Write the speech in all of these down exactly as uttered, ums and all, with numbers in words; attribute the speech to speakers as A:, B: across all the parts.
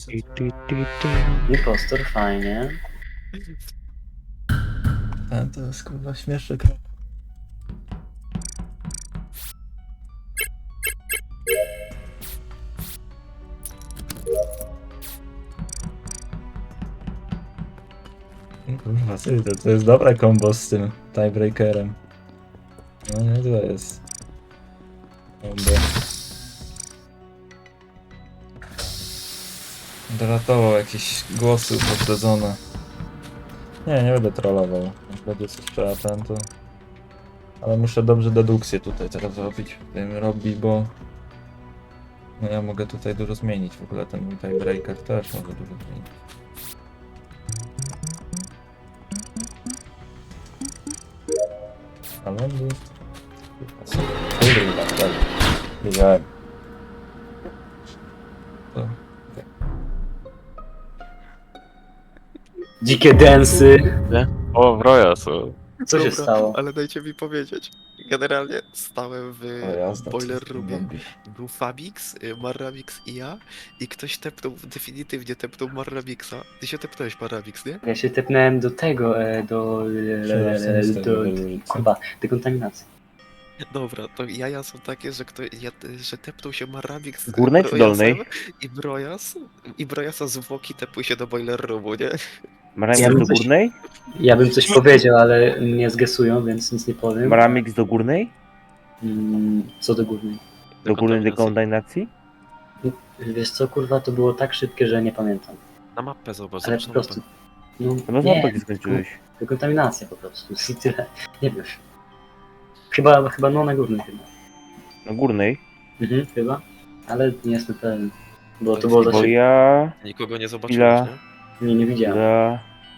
A: Ty, ty, ty, ty.
B: Impostor, fajnie.
C: A to jest kurwa śmieszek. Kurwa, ty, to, to jest dobre kombo z tym tiebreakerem. No nie, to jest kombo. Doratował jakieś głosy upoprzedzone. Nie, nie będę trollował. Jak będzie coś trzeba ten, to... Ale muszę dobrze dedukcję tutaj teraz robić. Wiem, robi, bo... No ja mogę tutaj dużo zmienić. W ogóle ten mój tiebreaker też może dużo zmienić. Ale on był... Kurwa, tak. Wiedziałem. To...
B: Dzikie densy.
A: O, wroja są.
B: Co się
D: Dobra,
B: stało?
D: ale dajcie mi powiedzieć. Generalnie stałem w
C: O jazda,
D: boiler
C: co
D: roomie.
C: robi?
D: Był Fabix, y, Marramix i ja. I ktoś tepnął, definitywnie tepnął Marramixa. Ty się tepnąłeś Marramix, nie?
B: Ja się tepnąłem do tego, e, do... e, do... Kurwa, dekontaminacji.
D: Dobra, to jaja są takie, że, kto, ja, że tepnął się Marramix z
A: Górnej czy
D: Brojasem
A: dolnej?
D: I Brojas, i Brojasa zwłoki tepły się do boiler roomu, nie?
A: Maramix
B: Ja bym
A: do
B: coś-
A: górnej?
B: Ja bym coś powiedział, ale mnie zgesują, więc nic nie powiem.
A: Maramix do górnej?
B: Mm, co do górnej?
A: Do górnej
D: Dekontaminacji.
A: dekontaminacji?
B: Wiesz co, kurwa, to było tak szybkie, że nie pamiętam.
D: Na mapę zobacz,
B: Ale
D: zobacz
B: po
D: na mapę.
B: prostu... No,
A: Chyba
B: nie,
A: znowu skończyłeś.
B: dekontaminacja po prostu. I tyle. Nie wiesz. Chyba, chyba no na górnej chyba.
A: Na górnej?
B: Mhm, chyba. Ale nie jestem pewien. Bo to było za
A: Bo
B: szybko.
A: ja...
D: Nikogo nie zobaczyłeś,
A: Chwila.
D: nie?
B: Nie, nie widziałem.
A: Za...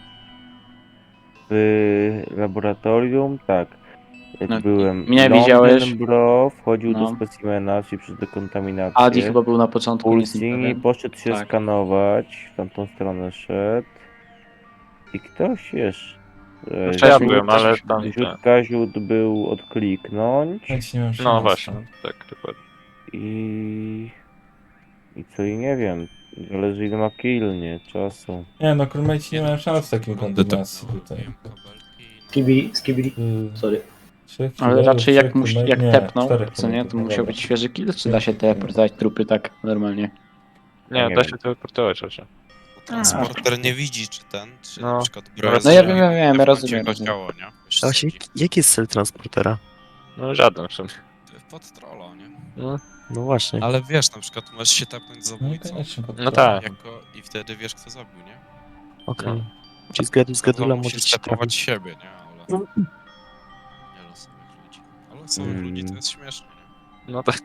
A: W laboratorium, tak. Jak
E: No,
A: byłem.
E: mnie
A: Londyn
E: widziałeś.
A: Bro wchodził
E: No.
A: do specimena, czyli przez dekontaminację.
E: Adi chyba był na początku, nie jestem
A: Pulsing i
E: pewien.
A: poszedł się
E: Tak.
A: skanować, w tamtą stronę szedł. I ktoś jeszcze.
F: Znaczy ja byłem, ale tam
A: Ziut
F: tak.
A: Kaziut był odkliknąć.
C: Nic nie mam
F: No właśnie, tak, dokładnie.
A: I... I co i nie wiem. Zależy ile ma kill, nie? Czasu.
C: Nie no, crewmate nie mają szans w takiej kombinacji tutaj.
B: Skibidi, skibidi.
C: Y,
B: Sorry.
C: trzech
E: Ale
C: killerów,
E: raczej
C: trzech
E: jak, muś,
C: crewmate-
E: jak
C: nie,
E: tepnął,
C: czterech
E: co nie, to
C: crewmate'ów, no
E: musiał
C: dobra.
E: być świeży kill, czy da się teleportować trupy tak normalnie?
F: Nie,
A: Nie
F: da
A: wiem.
F: się teleportować raczej.
G: Transporter nie widzi, czy ten, czy
F: No.
G: na przykład
F: No
G: broń.
E: No ja wiem, ja wiem, ja rozumiem,
G: Jego
E: rozumiem.
G: ciało, nie? Wiesz, co
H: Właśnie,
G: chodzi.
H: jaki jest cel transportera?
F: No żaden w sumie.
G: Pod trollo, nie?
F: No,
H: No właśnie.
G: Ale wiesz, na przykład możesz się tapnąć z
C: No
G: zabójcą
C: koniecznie.
F: No tak.
G: jako, i wtedy wiesz, kto zabił, nie?
H: Okej. Czyli z, gad- z gadula
G: Wiadomo,
H: może
G: musisz
H: ci
G: stepować
H: trafić.
G: siebie, nie? Ale... Nie losowych ludzi. Ale losowych
A: Mm.
G: ludzi to jest śmieszne, nie?
F: no tak.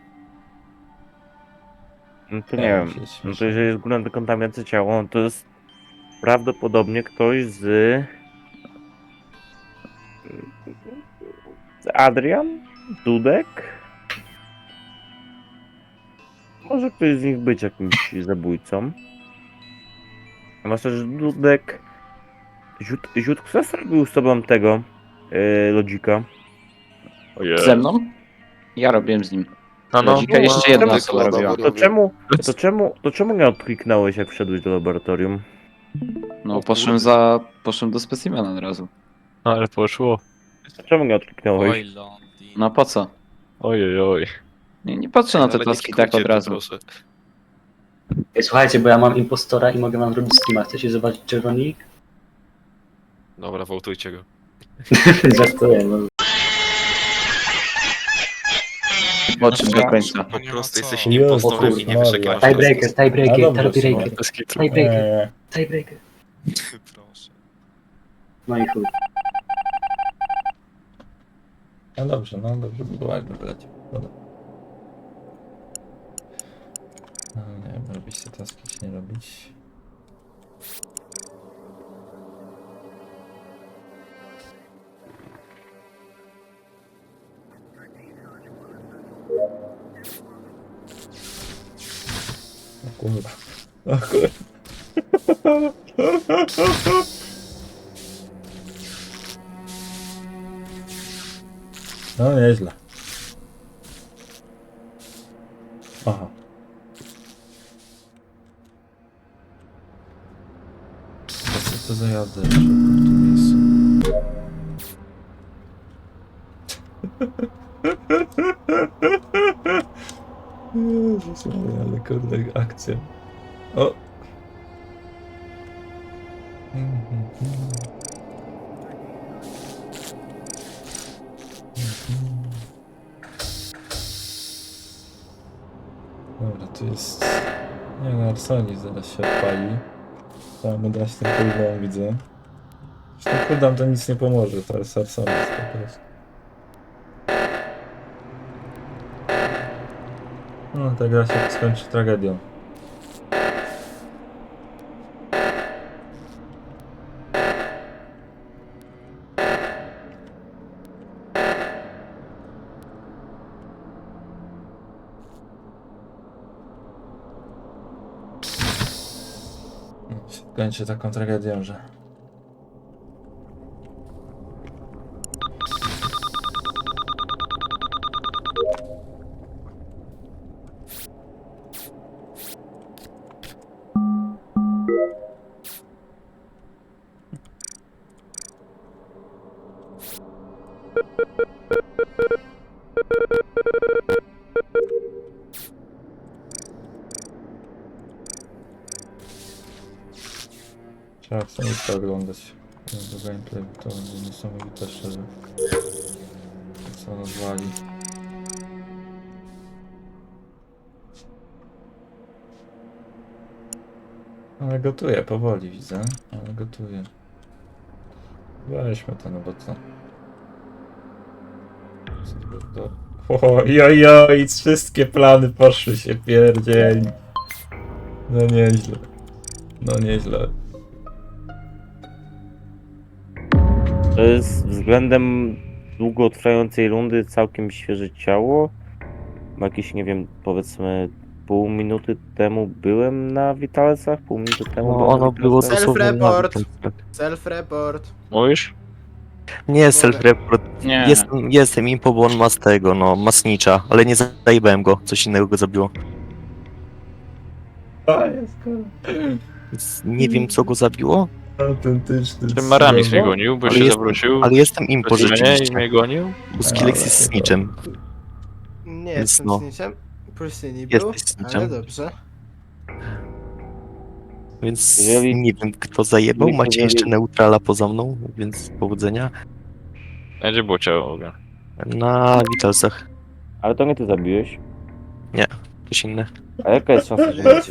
A: No to
C: Nie,
A: nie
C: mi
A: wiem.
C: się
A: No
C: śmieszy.
A: to jeżeli jest górna dekontaminacja ciała, no to jest prawdopodobnie ktoś z... z Adrian? Dudek? Może ktoś z nich być jakimś zabójcą. A masz też Dudek... Ziut, Ziut kto zrobił z tobą tego yy, lodzika?
F: Ojej.
E: Ze mną? Ja robiłem z nim.
F: No, no.
E: Lodzika jeszcze jedna
A: czemu-
E: osoba robiła.
A: To czemu, to czemu, to czemu nie odkliknąłeś jak wszedłeś do laboratorium?
E: No poszłem za... poszłem do specimena od razu.
F: No, ale poszło.
A: Czemu nie odkliknąłeś?
G: Oj, Londyn.
E: No po co?
F: Ojej, oj.
E: Nie, nie patrzę na te
D: Ale nie
E: taski tak
D: kikujcie
E: od
D: tu,
E: razu.
D: proszę.
B: Ej, słuchajcie, bo ja mam impostora i mogę wam robić streama. Chcecie zobaczyć czerwonik?
D: Dobra, wołtujcie go.
B: Żartuję, no.
E: Po czym do końca.
D: Po
G: nie ma
D: prostu
G: co.
D: jesteś
C: Jezu,
D: impostorem i nie wiesz, jak
C: Maria.
D: masz
B: Tiebreaker,
C: A
B: tiebreaker,
C: dobrze,
B: tiebreaker,
F: Bez kitu.
C: Nie,
B: tiebreaker,
C: nie,
B: tiebreaker.
G: Proszę.
B: No i chuj.
C: no dobrze, no dobrze by było jakby wyleciał. Dobra. No nie wiem, robić te taski czy nie robić. O kurwa. O kurwa. No nieźle. Aha. Co to za jazda jeszcze w tym miejscu? Jezus Maria, ale kurde akcja. O! Mhm, mhm. Mhm. Dobra, tu jest... Nie no, Arsonis zaraz się odpali. Trzeba dać ten cooldown, widzę. Zresztą cooldown to nic nie pomoże, to jest Arsonis po prostu. No, ta gra się skończy tragedią. No, się skończy taką tragedią, że... Trzeba Arsonis oglądać. Do gameplay to będzie niesamowite szczerze. To co on odwali. Ale gotuje powoli, widzę. Ale gotuje. Weźmy to, no bo co? Ojojoj, wszystkie plany poszły się pierdzieli. No nieźle. No nieźle.
A: To jest względem długotrwającej rundy całkiem świeże ciało. Bo jakieś, nie wiem, powiedzmy pół minuty temu byłem na Witalcach, pół minuty temu
H: No,
A: byłem
H: ono
A: na
H: było
A: Witalcach.
H: dosłownie
I: Self-report.
H: na-
I: Self-report.
F: Mówisz?
H: Nie, self-report.
E: Nie.
H: Jestem, jestem impo, bo on ma z tego, no, ma snicza, ale nie zajebałem go, coś innego go zabiło.
C: A, jest
H: Więc nie wiem, co go zabiło,
C: autentyczny.
F: Ten Maramis mnie
C: słowo.
F: gonił, bo
H: Ale
F: się
H: jest-
F: zawrócił.
H: ale jestem impo
F: Coś mnie i
H: rzeczywiście,
F: mnie gonił.
H: bo Skillex
C: Ale
H: jest
C: to-
H: snitchem.
I: Nie
H: Więc
I: jestem
H: no.
I: snitchem. Pustyni był,
H: Jesteś snitchem.
I: ale dobrze.
H: Więc
A: Jeżeli-
H: nie wiem, kto zajebał,
A: jeżeli-
H: macie jeszcze neutrala poza mną, więc powodzenia.
F: Będzie było ciało w ogóle.
H: Na Witalsach,
A: Ale to nie ty zabiłeś.
H: coś inne.
A: A jaka jest szansa, że nie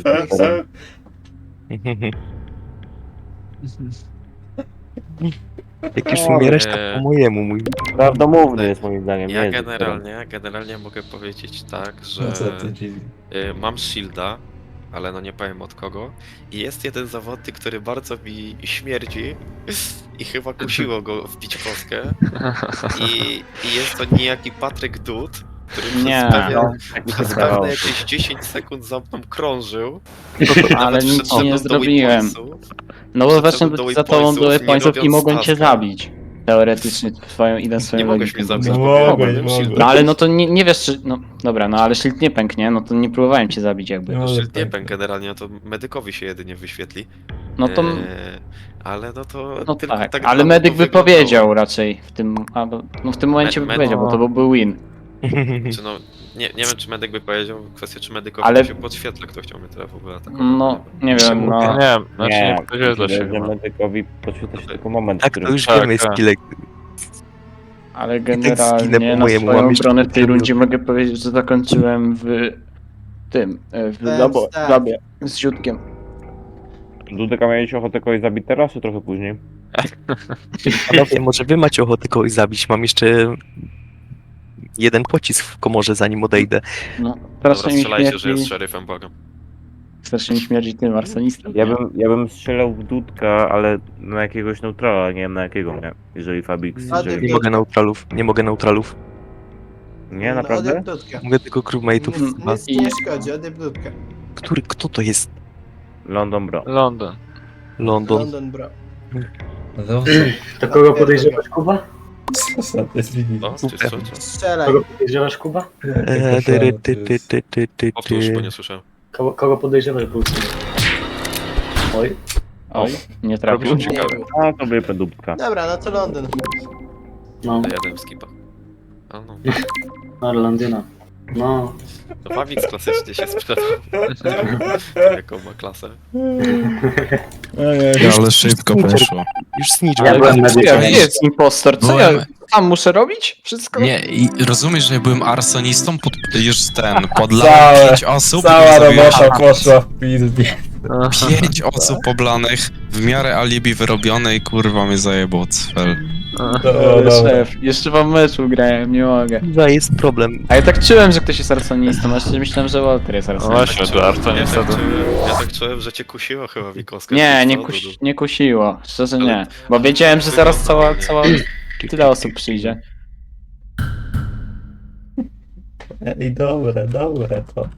H: Jak już
D: O,
H: umierać,
D: nie.
H: tak po mojemu, mój.
A: Prawdomówny jest moim zdaniem.
D: Ja
A: nie jest
D: generalnie, generalnie mogę powiedzieć tak, że
C: No co ty, Jimmy?
D: y, mam shielda, ale no nie powiem od kogo. I jest jeden zawodnik, który bardzo mi śmierdzi i chyba kusiło go wbić kostkę. I, i jest to niejaki Patryk Dud, który przez
E: Nie,
D: pewien,
A: no, tak mi się
D: przez
A: wydawało.
D: pewne jakieś dziesięć sekund za mną krążył.
E: Ale
D: Nawet
E: nic
D: wszedłem
E: nie
D: do
E: zrobiłem.
D: waypointsów.
E: No bo właśnie
D: Wszedłem do
E: za tobą
D: waypointsów,
E: były
D: nie
E: pońców i
D: robiąc
E: mogłem cię
D: taska.
E: zabić. Teoretycznie swoją idę swoją
D: Nie mogłeś
E: logiką.
D: mnie zabić,
C: No
D: bo
C: mogłeś,
D: miałem
C: mogłeś.
D: shielda.
E: No ale no to nie, nie wiesz czy... No dobra, no ale shield nie pęknie, no to nie próbowałem cię zabić jakby.
C: No,
D: No,
C: ale
D: shield nie
C: tak.
D: pęk generalnie, no to medykowi się jedynie wyświetli.
E: No to...
D: Eee, ale no to
E: No
D: tylko
E: tak,
D: tak
E: ale
D: dla mnie
E: medyk
D: to
E: by
D: wyglądało.
E: powiedział raczej w tym... Albo, no w tym momencie
D: Me-
E: by
D: med-
E: powiedział, bo to byłby win.
D: Czy no, nie, nie wiem czy medyk by powiedział, kwestia czy medykowi
E: Ale-
D: ale... się podświetla, kto chciał mnie teraz w ogóle atakować.
E: No, nie wiem, no...
F: Nie, nie, znaczy nie,
A: Nie,
F: powiedziałeś dla
A: że
F: siebie.
A: medykowi podświetla się tylko moment,
H: Tak,
A: w którym...
H: to już
F: Tak,
H: wiemy,
F: tak.
H: Skillek.
E: Ale
H: tak zginę
E: generalnie
H: po
E: na
H: mojemu,
E: swoją
H: mam jeszcze
E: obronę w tej
H: kilka
E: rundzie mogę powiedzieć, że zakończyłem w tym, e, w
I: Ten
E: labo,
I: stack.
E: w labie z ziutkiem.
A: Dudek, a miałeś ochotę kogoś zabić teraz, czy trochę później?
H: Panowie, może wy macie ochotę kogoś zabić, mam jeszcze jeden pocisk w komorze, zanim odejdę.
E: No,
D: Dobra,
E: strasznie mi
D: strzelajcie, że jest
E: śmierdzi,
D: szeryfem, błagam.
E: strasznie mi śmierdzi tym arsonistem.
A: Ja bym, ja bym strzelał w Dudka, ale na jakiegoś neutrala, nie wiem na jakiego, nie? Jeżeli Fabix,
I: A,
A: jeżeli...
H: Nie mogę neutralów, nie mogę neutralów.
A: Nie, naprawdę?
I: Odejdź dudkę.
H: Mogę tylko crewmate'ów.
I: Nic,
H: chyba.
I: nic ci nie szkodzi, odejdź dudkę.
H: Który, kto to jest?
A: London Bro.
F: London.
H: London.
I: London, bro.
C: No,
B: To kogo podejrzewasz, Kuba?
C: co za te drzwi?
D: No, czy co, co?
I: Strzelaj.
B: Kogo podejrzewasz, Kuba?
H: Eee, ty, ty, ty, ty, ty, ty,
D: Powtórz, bo
H: ty.
D: nie słyszałem.
B: Kogo, kogo podejrzewasz, był Oj,
E: Oj, nie trafił.
F: Robisz ciekawe.
I: Nie był.
A: A to były pedubka.
I: Dobra, no to Londyn.
B: No,
D: To jadę w skipa. A no.
B: no Londyna. No,
D: To Wawix klasycznie się sprzedał. Jaką ma klasę.
G: Ale szybko poszło.
H: Już zniszczył.
B: ja byłem na
E: Co ja
B: wiecie.
E: jest impostor? Co ja
G: Byłem-
E: tam muszę robić? Wszystko?
G: Nie, i rozumiesz, że ja byłem arsonistą, pod, już ten, podlałem
C: Całe-
G: pięć osób.
C: Cała
G: i zrobiłem
C: robota
G: tak.
C: poszła w pizdzie.
G: Pięć osób poblanych, w miarę alibi wyrobionej, kurwa mnie zajebał cfel.
E: Ale szef, jeszcze wam meczu grałem, nie mogę.
H: Chyba jest problem.
E: A ja tak czułem, że ktoś jest arsonistą, a jeszcze myślałem, że Walter jest
F: No
E: arsonistą.
F: właśnie, to Arto
D: Ja
F: niestety.
D: tak, czułem, ja tak czułem, że cię kusiło chyba Wikowska.
E: Nie,
D: czy
E: nie,
D: co,
E: kusi,
D: Dudu?
E: nie kusiło, szczerze nie.
D: Ale-
E: Bo wiedziałem, że zaraz cała, cała,
D: Wygląda
E: tyle osób przyjdzie.
C: Ej, dobre, dobre to.